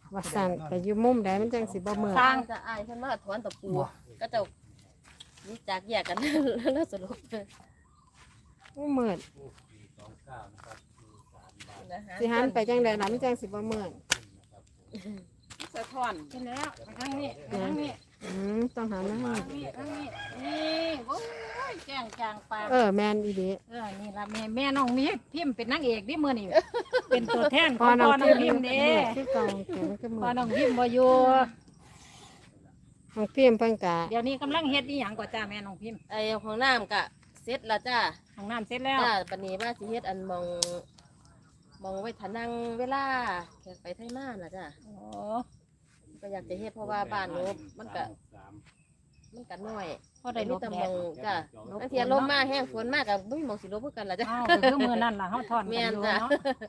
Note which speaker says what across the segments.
Speaker 1: ว่าสั่นไปอยู่มุมใดมันจังสิบ่เมื่อย
Speaker 2: สร้างจะอายเพิ่นมาถอนตะปูก็จะรู้จักแยกกัน แล้วสรุป
Speaker 1: เมื่อยสิหันไปจังใดล่ะมันจังสิบ่เมื่อย
Speaker 3: สะท้อนไปแล้วไปทางนี้ไปทางนี้
Speaker 1: ต้องหันมาให้
Speaker 3: ทางนี้นี่โอ้ยแจ้งจางปาก
Speaker 1: แม่นอีเด้
Speaker 3: นี่ละแม่น้องมีพิมพ์เป็นนางเอกดิมื้อนี้เป็นตัวแทนของพ่อน้องพิมพ์เด้
Speaker 1: ที่กองเขียนก็เมื่
Speaker 3: พ่อ
Speaker 1: อย
Speaker 3: น้องพิมพ์บ่อยู่
Speaker 1: ของพิมพ์เพิ่นกะ
Speaker 3: เดี๋ยวนี้กำลังเฮ็ดอีหยังกว่าจ้าแม่น้องพิมพ์
Speaker 2: ไอ้ของน้ำกะเสร็จแล้วจ้า
Speaker 3: ห้องน้ำเสร็จแล้ว
Speaker 2: จ้าปันนี้ว่าสิเฮ็ดอันมองไว้ทานังเวลาแขกไปไทยมาน่ะจ้า
Speaker 3: โอ้
Speaker 2: ก็อยากจะเฮ็ดเพราะว่าบ้านหนูมันก็น้อย
Speaker 3: พอได้ลบ
Speaker 2: แต่
Speaker 3: แด
Speaker 2: ม
Speaker 3: ด
Speaker 2: องจ้าบางทีลมมาแห้งฝนมากกับไม่มีหมองสิลบเพื่อกันละจ้า
Speaker 3: อ้าวก็คือมื้อนั้นล่ะเฮาถอนกันอยู่เนาะ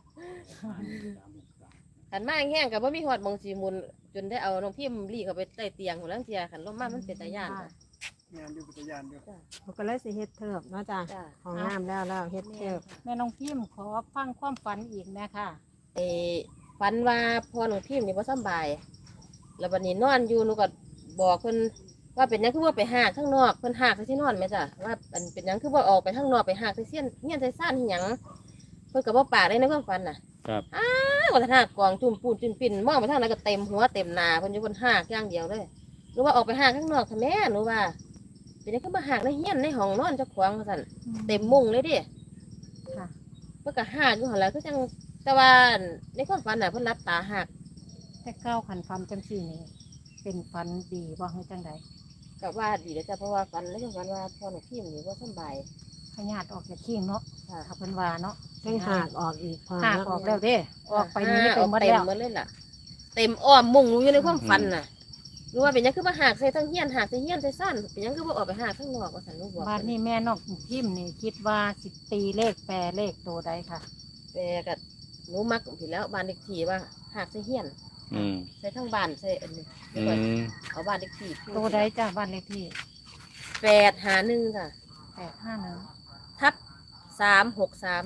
Speaker 2: ขันมาแห้งกับว่ามีหอดหมองสีมุนจนได้เอาน้องพิมพ์รีเข้าไปใต้เตียงของลังเทียขันลมมามันเป็นตาย่านจ้ะ
Speaker 4: งานอยู่ปัตยานอยู่
Speaker 1: เขาก็เลยสิเฮ็ดเทิบเนาะจ้ะ
Speaker 2: จ้า
Speaker 1: ของน้ำแล้วเฮ็ดเทิบ
Speaker 3: แม่น้องพิมพ์ขอฟังความฝันอีกนะค่ะ
Speaker 2: ฝันว่าพอน้องพิมพ์นี่บ่สำบาย แล้ววันนี้นอนอยู่หนูก็บอกเพิ่นว่าเป็นหยังคือว่าไปหากข้างนอกเพิ่นหากที่นอนไหมจ้ะว่ามันเป็นหยังคือว่าออกไปข้างนอกไปหากที่เสี้ยนเงี้ยนใส่ซ่านที่หยังเพิ่นก็บ่ปากได้ในความฝันน่ะ
Speaker 5: ครับ
Speaker 2: ว่าถ้ากองจุ่มปูนจุ่มปิ่นมองไปทางไหนก็เต็มหัวเต็มหน้าเพิ่นอยู่บนหากอย่างเดียวเลยหรือว่าออกไปหากข้างนอกค่ะแม่หนูว่าเป็นหยังคือมาหากในเฮียนในห้องนอนเจ้าของว่าซั่นเต็มมุ้งเลยดิ
Speaker 3: ค่ะ
Speaker 2: เพิ่นก็หากอยู่หั่นแหละคือจังแต่ว่าในความฝันน่ะเพิ่นรับตาหาก
Speaker 3: แต่เก้าขันฟันจังสี่นี่เป็นฟันดีบ่ให้จังใด
Speaker 2: ก็ว่าดีแล้วจ้ะเพราะว่าฝันแล้วฝันว่าพ่อหนูพิมพ์นี่บ่สำบาย
Speaker 3: พญาติออกจากขี้งเนาะ
Speaker 2: ค่ะ
Speaker 3: ถ้าเพิ่นว่าเนาะ
Speaker 1: ให้หากออกอีกพอ
Speaker 3: หาก
Speaker 1: เนาะ
Speaker 3: ออกแล้วเด้ออกไปนี้
Speaker 2: อ
Speaker 3: เต็
Speaker 2: อ
Speaker 3: ม
Speaker 2: ก
Speaker 3: หมด
Speaker 2: เต็
Speaker 3: แล้
Speaker 2: ม
Speaker 3: ว
Speaker 2: หมดเลยล่ะเต็มอ้อมมุ้งหนูอยู่ในความฝันน่ะรู้ว่าเป็นหยังคือมาหากใส่ทั้งเฮียนหากใส่เฮียนใส่สั้นเป็นหยังคือว่าออกไปหากข้างนอกว่าสันลูกบอก
Speaker 3: บ้านนี้แม่น้องพิมพ์นี่คิดว่าสิตีเลขแปรเลขตัวใดค่ะ
Speaker 2: แต่ก็หนูมักผิดแล้วบ้านเด็กที่ว่าหากใส่เฮียน
Speaker 5: อืม
Speaker 2: ใส่ทั้งบ้านใส่อันนี้
Speaker 5: อืม
Speaker 2: เอาบ้านเด็กที่
Speaker 3: ตัวใดจ้าบ้านเลขที่
Speaker 2: 851ค่ะ
Speaker 3: 851
Speaker 2: ทับ363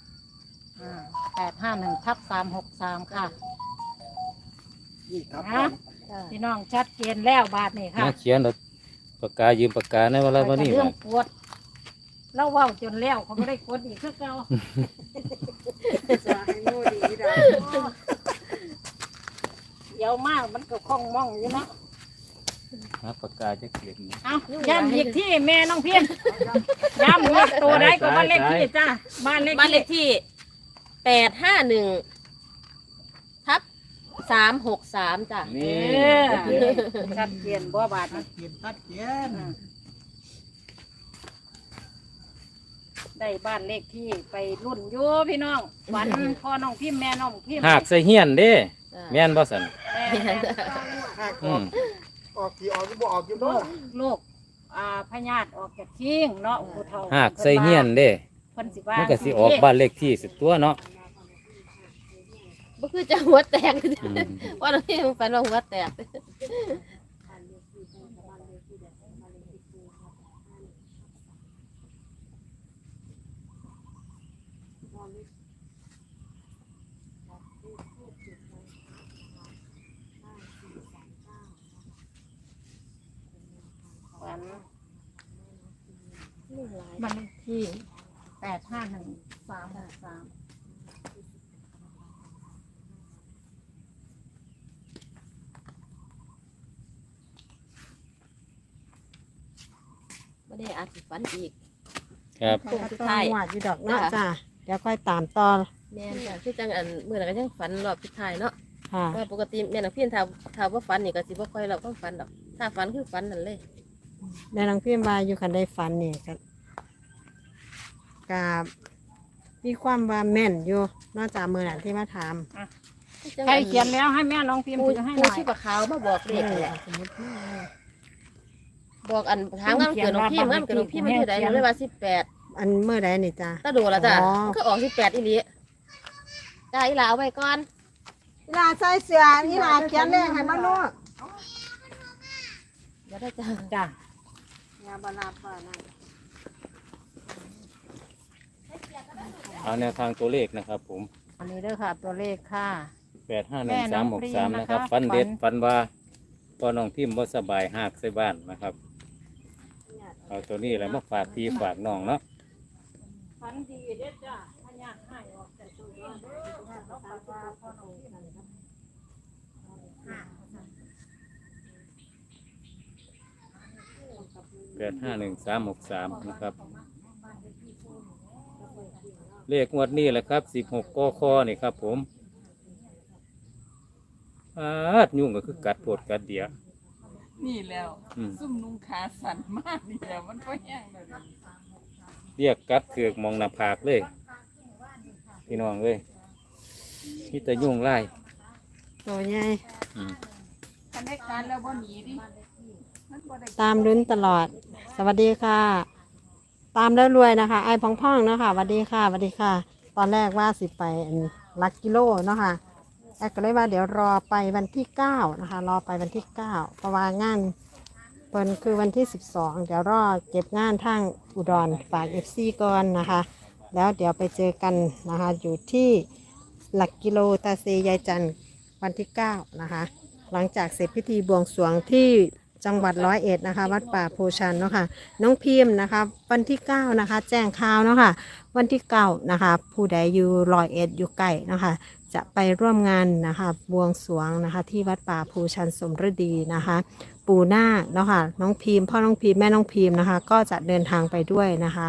Speaker 3: 851/363ค่ะ
Speaker 4: นี่ครับ
Speaker 3: นะพี่น้องชัดเจนแล้วบาทนี่ค่ะ
Speaker 5: มาเขียนแล้วปากกายืมปากกาในวันละวันนี้
Speaker 3: เรื่องกดเราเว้าจนแล้วเขาไม่ได้กดอีกคือเก่า
Speaker 1: จะให้โน่ดีได้
Speaker 3: เดี๋ยวมากมันก็คล่องมองอยู่เนาะ
Speaker 5: หาปากกาจะเขียน
Speaker 3: เอาย้ำอีกที่แม่น้องเพียนย้ำว่าตัวใดก็บ้านเลขที่จ้าบ้านเลข
Speaker 2: บ้านเล
Speaker 3: ที่
Speaker 2: ขที่851/363จ้ะ
Speaker 5: นี่
Speaker 3: ชัดเจนบ่บาท
Speaker 4: ตัดเกียนตัดเกียน
Speaker 3: ได้บ้านเลขที่ไปรุ่นอยู่พี่น้องวันพ่อน้องพิมพ์แม่น้องพิมพ์
Speaker 5: หากใส่เฮียนเด้
Speaker 2: จ้ะ
Speaker 5: แม่นบ่สัน
Speaker 3: แม่
Speaker 4: หากอ
Speaker 5: อื
Speaker 4: อก
Speaker 5: ม
Speaker 4: ออกที่ออกก็บ่ออกอยู่
Speaker 3: ลู
Speaker 4: บ่
Speaker 3: กลูกพญาติออกจากทิ้งเนาะผู้เฒ่า
Speaker 5: หากใส่เฮียนเด้
Speaker 3: เพิ่นสิว่า
Speaker 5: มันก็สิออกบ้านเลขที่สิตัวเนาะ
Speaker 2: บ่คือจะหัวแตก
Speaker 5: อืม
Speaker 2: ว่าเราที่ฝันว่าหัวแตก
Speaker 3: วัน
Speaker 2: นี่หลาย
Speaker 3: บ้านเลขที่851/363
Speaker 2: ไม่ได้อาจสิฝันอีก
Speaker 5: ครับ
Speaker 2: โค้ง
Speaker 1: ก็
Speaker 2: สุด
Speaker 1: ต้อง
Speaker 2: ท้าย
Speaker 1: หวาดอยู่ดอกเนาะจ้ะเดี๋ยวค่อยตามต่อ
Speaker 2: แม่นจ้ะคือจังอันเมื่อนั้นก็ยังฝันรอบสุดท้ายเนาะ
Speaker 1: ค่ะ
Speaker 2: ว่าปกติแม่นักเพียนถ้าว่าฝันนี่ก็สิบ่ค่อยเราต้องฝันดอกถ้าฝันคือฝันนั่นเลย
Speaker 1: แม่นางพิมพ์มาอยู่คันได้ฝันนี่ก็มีความว่าแม่นอยู่นอกจากมือหนันที่มาถาม
Speaker 3: ใครเขียนแล้วให้แม่น้องพิมพ์
Speaker 2: ปู
Speaker 3: ถือให้หน่อย
Speaker 2: ชีพขาวมาบอกเลขนี่แหละ
Speaker 1: สมมติว่า
Speaker 2: บอกอันถามงานเกิดน้องพี่งานเกิดน้องพี่มันอยู่ไหนหนูเลยว่า18
Speaker 1: อันเมื่อใดนี่จ้ะ
Speaker 2: ถ้าโดนละจ้ะ
Speaker 1: อ๋อ
Speaker 2: มันก็ออก18อีหลีจ้าอีหลาเอาไว้ก่อน
Speaker 1: อีหลาใส่เสื้ออีหลาเขียนเลขให้มันรู้
Speaker 2: เดี๋ยวได้จ้ะ
Speaker 3: จ้ะ
Speaker 1: อย่าบลาป่านั่น
Speaker 5: เอาแนวทางตัวเลขนะครับผม
Speaker 3: อันนี้เด้อค่ะตัวเลขค่ะ
Speaker 5: 851-363นะครับฝันเด็ดฝันว่าพอน้องพิมพ์บ่สบายหากใส่บ้านนะครับเอาตัวนี้แหละมาฝากพี่ฝากน้องเนาะ
Speaker 3: ฝันดีเด้อจ้าพญาให้ออกแต่ตัวเด้อแล้วฝันว่าพ่อน้องพิมพ์
Speaker 5: 851-363นะครับเลขงวดนี้แหละครับ16กคนี่ครับผมยุ่งก็คือกัดโพดกัดเดีย
Speaker 6: นี่แล้ว
Speaker 5: อืม
Speaker 6: ซุ่มนุ่งขาสั่นมากนี่แล้วมันก็แห้งเลย
Speaker 5: เรียกกัดเถือกมองหน้าผากเลยพี่น้องเลยนี่แต่ยุ่งไล่
Speaker 1: ตัวใหญ่
Speaker 5: อืม
Speaker 6: คันได้การแล้วบ่หนีดิมันบ่ได้
Speaker 1: ตามลุ้นตลอด สวัสดีค่ะ ตามแล้วรวยนะคะ ไอ้พ่องๆเนาะค่ะสวัสดีค่ะสวัสดีค่ะ ตอนแรกว่าสิไปลักกิโลเนาะค่ะแอดก็เลยว่าเดี๋ยวรอไปวันที่9นะคะรอไปวันที่9เพราะว่างานเปินคือวันที่12เดี๋ยวรอเก็บงานทางอุดรฝาก FC ก่อนนะคะ แล้วเดี๋ยวไปเจอกันนะคะอยู่ที่หลักกิโลตาเซยายจันทร์วันที่9นะคะหลังจากเสร็จพิธีบวงสรวงที่จังหวัด101นะคะวัดป่าโพชันเนาะค่ะน้องพิมพ์นะคะวันที่9นะคะแจ้งข่าวเนาะค่ะวันที่9นะคะผู้ใดอยู่101อยู่ใกล้นะคะจะไปร่วมงานนะคะบวงสรวงนะคะที่วัดป่าโพชันสมฤดีนะคะปู่นาคเนาะค่ะน้องพิมพ์พ่อน้องพิมพ์แม่น้องพิมพ์นะคะก็จะเดินทางไปด้วยนะคะ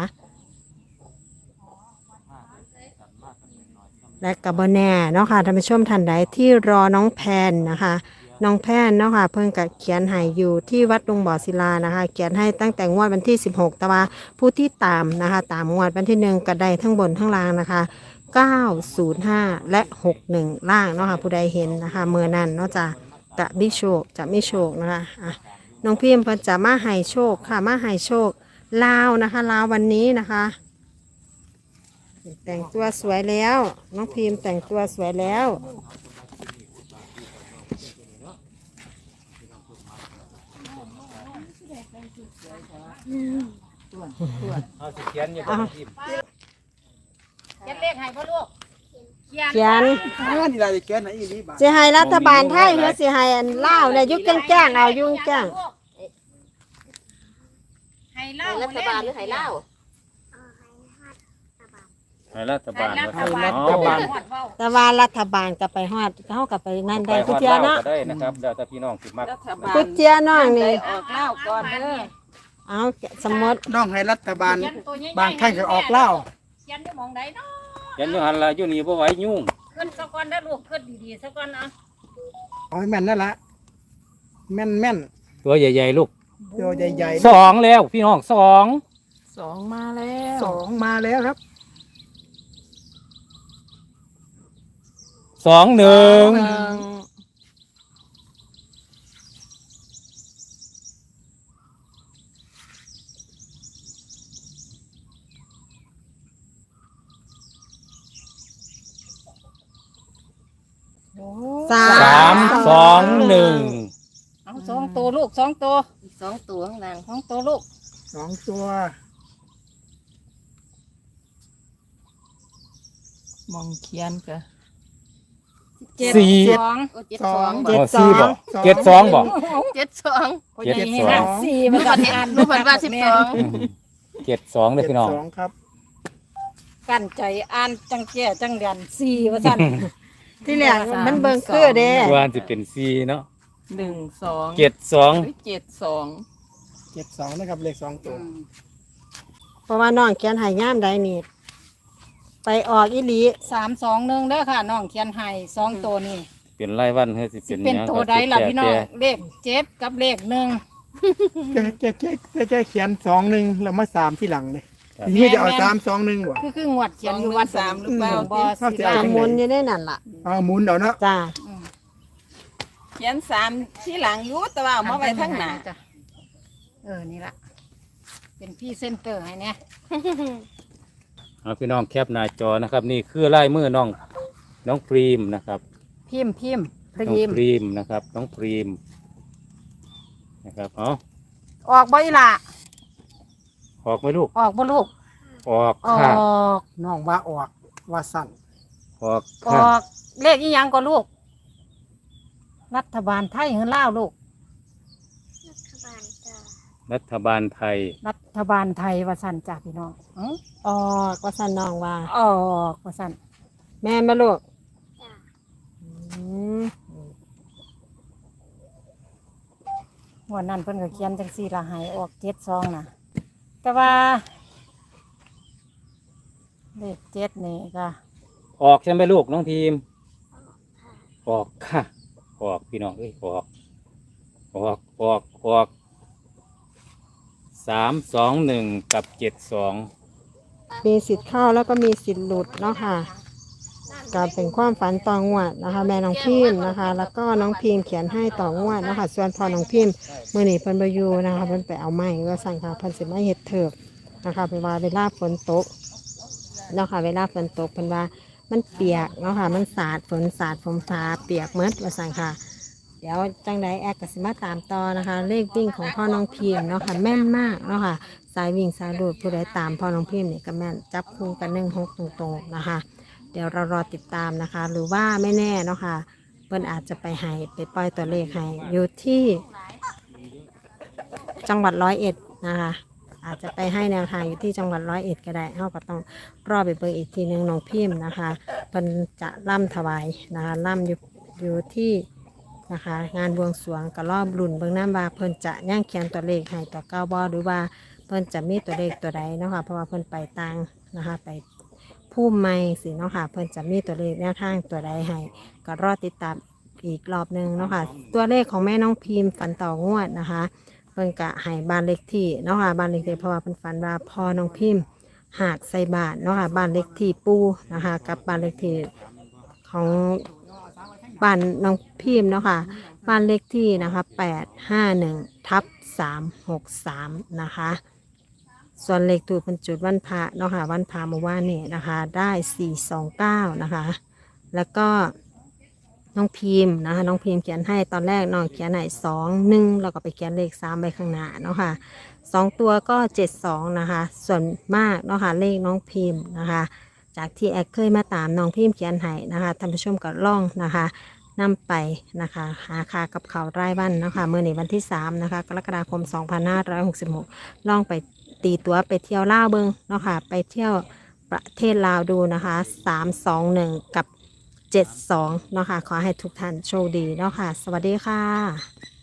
Speaker 1: และกับบแน่เนาะค่ะท่านผู้ชมท่านใดที่รอน้องแพนนะคะน้องแพนเนาะค่ะเพิ่งกับเขียนให้อยู่ที่วัดดงบ่อศิลานะคะเขียนให้ตั้งแต่งวดวันที่16แต่ว่าผู้ที่ตามนะคะตามงวดวันที่1ก็ได้ทั้งบนทั้งล่างนะคะ905และ61ล่างเนาะค่ะผู้ใดเห็นนะคะเมื่อนั้นเนาะจะมีโชคจะมีโชคนะคะอ่ะน้องพิมพ์เพิ่นจะมาให้โชคค่ะมาให้โชคลาวนะคะลาววันนี้นะคะแต่งตัวสวยแล้วน้องพิมพ์แต่งตัวสวยแล้ว
Speaker 5: เอาสิเขียนอยู่กับพิมพ์
Speaker 3: เขียนเลขให้พ่อลูกเขียน
Speaker 1: เขียน
Speaker 4: นี่ได้แก่ไหนอีนี่บาท
Speaker 1: สิให้รัฐบาลไทยหรือสิให้อันลาวเนี่ยยุกแจ้งเอายุ่งแจ้ง
Speaker 3: ให้เล่า
Speaker 2: ให้รัฐบาลหรือให้เล่า
Speaker 5: ให้รัฐบาล
Speaker 3: รั
Speaker 5: นะ
Speaker 3: ฐ
Speaker 5: ครับ
Speaker 3: บาล
Speaker 5: เอา
Speaker 1: แต่ว่ารัฐบาลก็ไปฮอดเขาก็ไปนั่น
Speaker 5: ไป
Speaker 1: ได้
Speaker 5: ฮ
Speaker 1: กุ
Speaker 5: อด
Speaker 1: เจีย
Speaker 5: เล่า
Speaker 1: เนาะ
Speaker 5: ก็ได้นะครับเดี๋ยวถ้าพี่น้องสิมัก
Speaker 6: รัฐบาล
Speaker 1: กุเจียน้องนี่
Speaker 6: ออกเล่าก่อนเด้อ
Speaker 1: เอาสมมติ
Speaker 4: น้องให้รัฐบาล
Speaker 3: เขียนตัวใหญ่ๆ
Speaker 4: บางท่านก็ออกเหล้า
Speaker 3: เขียนอยู่หมองใดเนาะ
Speaker 5: เขียนอยู่หันละอยู่นี่บ่ไหวยุ่ง
Speaker 3: ขึ้นสักก่อนเด้อลูกขึ้นดีๆสักก่อนนะ
Speaker 4: เอาให้แม่นนั่นละแม่นแม่น
Speaker 5: ตัวใหญ่ๆลูก
Speaker 4: ตัวใหญ่
Speaker 5: สองแล้วพี่น้องสอง
Speaker 6: สองมาแล้ว
Speaker 4: ๆ2มาแล้วครับ
Speaker 5: 2-1
Speaker 1: สา
Speaker 5: 3-2-1
Speaker 3: เอาสองตัวลูกสองตัว
Speaker 2: อีก2ตัวข้างล่าง
Speaker 3: สองตัวลูก
Speaker 4: 2ตัว
Speaker 6: มองเขียนกะ
Speaker 5: สี่
Speaker 3: สอง
Speaker 2: โอ้
Speaker 5: อ๋อสี่บ่72บ่
Speaker 2: 72
Speaker 5: 72
Speaker 3: สี่
Speaker 2: ลู
Speaker 3: มัน
Speaker 2: ก
Speaker 3: ก็
Speaker 2: บัดนี้ลูกบัดว่า12
Speaker 5: 72เลยพี่น้อง
Speaker 4: 2ครับ
Speaker 3: กั้นใจอ่านจังแก่จังเรียนสี่ว่าสั่น
Speaker 1: ที่แรกมันเบิ่งคือเด้
Speaker 5: ว่าสิเป็น4เนาะ
Speaker 6: 1 2
Speaker 5: 72
Speaker 6: หรือ72
Speaker 4: 72นะครับเลข2ตัว
Speaker 1: เพราะว่าน้องเขียนให้งามใดนี่ไปออกอีหลี
Speaker 3: 3-2-1เด้อค่ะน้องเขียนให้สองตัวนี่
Speaker 5: เป็นรายวันเฮ้ยสิ
Speaker 3: สิ
Speaker 5: เป็น
Speaker 3: เป็น
Speaker 5: หยัง
Speaker 3: ตัวใดล่ะพี่น้อง
Speaker 5: แต่
Speaker 3: เลข7กับเลข1
Speaker 4: แกเขียน2-1แล้วมา3ที่หลังเลยนี่จะเอา3-2-1บ่
Speaker 3: คืองวดเขียนอยู่
Speaker 6: 2
Speaker 3: วัด
Speaker 6: 3หรือเปล่า
Speaker 3: บ่สิ
Speaker 4: เข้าใจ
Speaker 3: ได้
Speaker 1: สมุนอยู่ได้นั่นล่ะ
Speaker 4: เอาหมุนเอาเนาะ
Speaker 1: จ้า
Speaker 6: เขียน3ที่หลังอยู่แต่ว่าเอามาไว้ข้างหน้า
Speaker 3: จ้ะนี่ล่ะเป็นพี่เซนเตอร์ให้เนี่ย
Speaker 5: เอาพี่น้องแคปหน้าจอนะครับ นี่คือลายมือน้องพรีมนะครับ
Speaker 3: พิมพ์
Speaker 5: น้องพรีมนะครับน้องพรีมนะครับเอา
Speaker 3: ออกบ่อีหล่ะ
Speaker 5: ออกไหมลูก
Speaker 3: ออกบ่ลูก
Speaker 5: ออก
Speaker 3: ออ
Speaker 5: ค่ะ
Speaker 3: ก
Speaker 4: น้องว่าออกว่าสั่น
Speaker 5: ออก
Speaker 3: อ
Speaker 5: ค่ะ
Speaker 3: อกเลขอีหยังก็ลูกรัฐบาลไทยหรือลาวลูก
Speaker 5: รัฐบาลไทย
Speaker 3: รัฐบาลไทยว่าสั่นจ้าพี่น้องอ๋อ
Speaker 1: ออกว่าสันน้องว่า
Speaker 3: ออกว่าสั่น
Speaker 1: แม่นบ่ลูกอืม
Speaker 3: วันนั้นเพิ่นก็เขียนจังซี่ละใหายออก72น่ะ แต่ว่าเลข7นี่ก็
Speaker 5: ออกใช่ไหมลูกน้องทีม ออกค่ะ ออกพี่น้องเอ้ยออก321กับ72
Speaker 1: มีสิทธิ์เข้าแล้วก็มีสิทธิ์หลุดเนาะค่ะก็เป็นความฝันต่องวดนะคะ แม่น้องพิมพ์นะคะ แล้วก็น้องพิมพ์เขียนให้ต่องวดนะคะส่วนพอน้องพิมพ์มื้อนี้เพิ่นบ่อยู่นะคะเพิ่นไปเอาไม้ว่าสั่งค่ะเพิ่นสิมาเฮ็ดเถิบนะคะเพิ่นว่าเวลาฝนตกเนาะค่ะเวลาฝนตกเพิ่นว่ามันเปียกเนาะค่ะมันสาดฝนสาดฝนฟ้าเปียกหมดว่าสั่งค่ะ เดี๋ยวจังใดแอดก็สิมาตามต่อนะคะ เลขวิ่งของพ่อน้องพิมพ์เนาะค่ะแม่นมากเนาะค่ะสายวิ่งสายดูดผู้ใดตามพ่อน้องพิมพ์นี่ก็แม่นจับคู่กัน16ตรงๆนะคะ เดี๋ยวเรารอติดตามนะคะ หรือว่าไม่แน่เนาะค่ะเพิ่นอาจจะไปให้ไปปล่อยตัวเลขให้อยู่ที่จังหวัด101นะคะ อาจจะไปให้แนวทางอยู่ที่จังหวัด101ก็ได้เฮาก็ต้องรอไปเบิ่งอีกทีหนึงน้องพิมพ์นะคะเพิ่นจะล่ำถวายนะคะล่ำอยู่ที่นะคะงานบวงสรวงก็รอบรุ่นเบิ่งน้ำว่าเพิ่นจะย่างเขียนตัวเลขให้ตัวเก้าบ่หรือว่าเพิ่นจะมีตัวเลขตัวใดเนาะค่ะเพราะว่าเพิ่นไปต่างนะคะไปผู้ใหม่สิเนาะค่ะเพิ่นจะมีตัวเลขแนวทางตัวใดให้ก็รอติดตามอีกรอบหนึงเนาะค่ะตัวเลขของแม่น้องพิมพ์ฝันต่องวดนะคะเพิ่นกะให้บ้านเลขที่เนาะค่ะบ้านเลขที่เพราะว่าเพิ่นฝันว่าพ่อน้องพิมพ์หากใส่บาทเนาะค่ะบ้านเลขที่ปูนะคะกับบ้านเลขที่ของบ้านน้องพิมพ์เนาะค่ะบ้านเลขที่นะคะ851/363นะคะส่วนเลขถูกบรรจุดวันพระเนาะค่ะวันพระเมื่อวานนี่นะคะได้429นะคะแล้วก็น้องพิมพ์นะคะน้องพิมพ์เขียนให้ตอนแรกน้องเขียนให้21แล้วก็ไปเขียนเลข3ไปข้างหน้าเนาะค่ะ2ตัวก็72นะคะส่วนมากเนาะค่ะเลขน้องพิมพ์นะคะจากที่แอดเคยมาตามน้องพิมพ์เขียนให้นะคะท่านผู้ชมก็ล่องนะคะนำไปนะคะหาค่ากับเขาวรายวันเนาะค่ะมื้อนี้วันที่3นะคะกรกฎาคม2566ล่องไปตีตัวไปเที่ยวลาวเบิงเนาะค่ะไปเที่ยวประเทศลาวดูนะคะ321กับ72เนาะค่ะขอให้ทุกท่านโชคดีเนาะค่ะสวัสดีค่ะ